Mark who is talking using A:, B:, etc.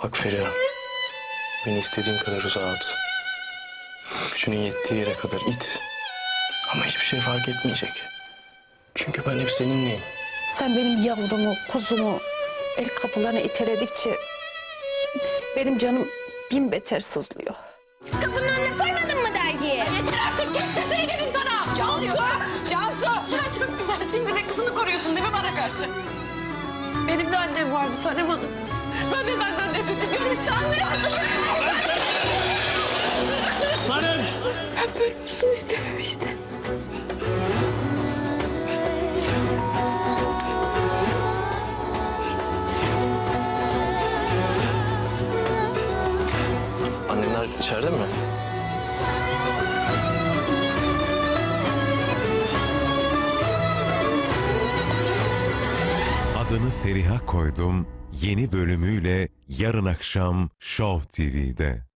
A: Bak Feriha, beni istediğin kadar uzağa at. Gücünün yettiği yere kadar it. Ama hiçbir şey fark etmeyecek. Çünkü ben hep seninleyim.
B: Sen benim yavrumu, kuzumu el kapılarına iteledikçe benim canım bin beter sızlıyor.
C: Kapının önüne koymadın mı dergiyi?
D: Yeter artık, kes sesini dedim sana. Cansu! Cansu! Ya çok güzel, şimdi de kızını koruyorsun değil mi bana karşı? Benim de annem vardı Sanem Hanım. Ben de senden nefret ediyorum işte, anlıyor musun?
A: Sanem!
D: Ben böyle olsun istememiştim.
A: Annenler içeride mi?
E: Adını Feriha koydum yeni bölümüyle yarın akşam Show TV'de.